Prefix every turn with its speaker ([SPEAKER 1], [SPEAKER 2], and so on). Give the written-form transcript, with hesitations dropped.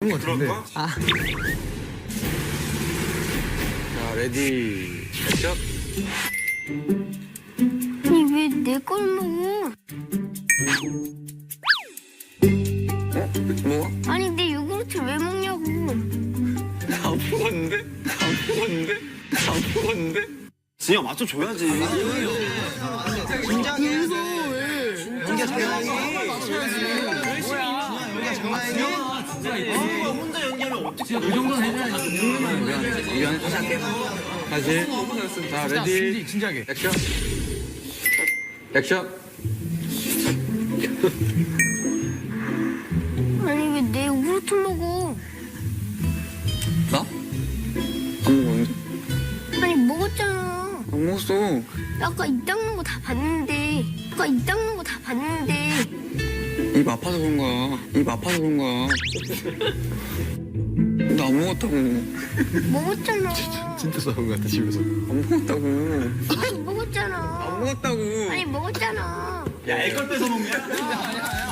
[SPEAKER 1] 그럴까?
[SPEAKER 2] 아.
[SPEAKER 1] 자, 레디, 액션.
[SPEAKER 3] 아니 왜 내 걸 먹어?
[SPEAKER 1] 뭐?
[SPEAKER 3] 아니 내 요구르트 왜 먹냐고.
[SPEAKER 1] 안 먹었는데? 안 먹었는데? 안 먹었는데?
[SPEAKER 4] 진영 맞춰 줘야지.
[SPEAKER 2] 긴장해.
[SPEAKER 4] 연기야 장난이. 연기야 장난이. 혼자 연기하면 어떻게?
[SPEAKER 2] 그 정도는 해줘야지.
[SPEAKER 1] 미안, 다시 할게. 다시. 자, 레디,
[SPEAKER 2] 진지하게.
[SPEAKER 1] 액션. 액션.
[SPEAKER 3] 아니 왜 내 요구르트 먹어?
[SPEAKER 1] 나? 안 먹었는데?
[SPEAKER 3] 아니 먹었잖아.
[SPEAKER 1] 안 먹었어.
[SPEAKER 3] 아까 입 닦는 거 다 봤는데.
[SPEAKER 1] 입 아파서 그런 거야. 입 아파서 그런 거야. 나 안 먹었다고.
[SPEAKER 3] 먹었잖아.
[SPEAKER 2] 진짜 싸운 것 같아 집에서.
[SPEAKER 1] 안 먹었다고.
[SPEAKER 3] 아니 먹었잖아.
[SPEAKER 1] 안 먹었다고.
[SPEAKER 3] 아니 먹었잖아.
[SPEAKER 4] 야, 애걸 뺏어 먹냐?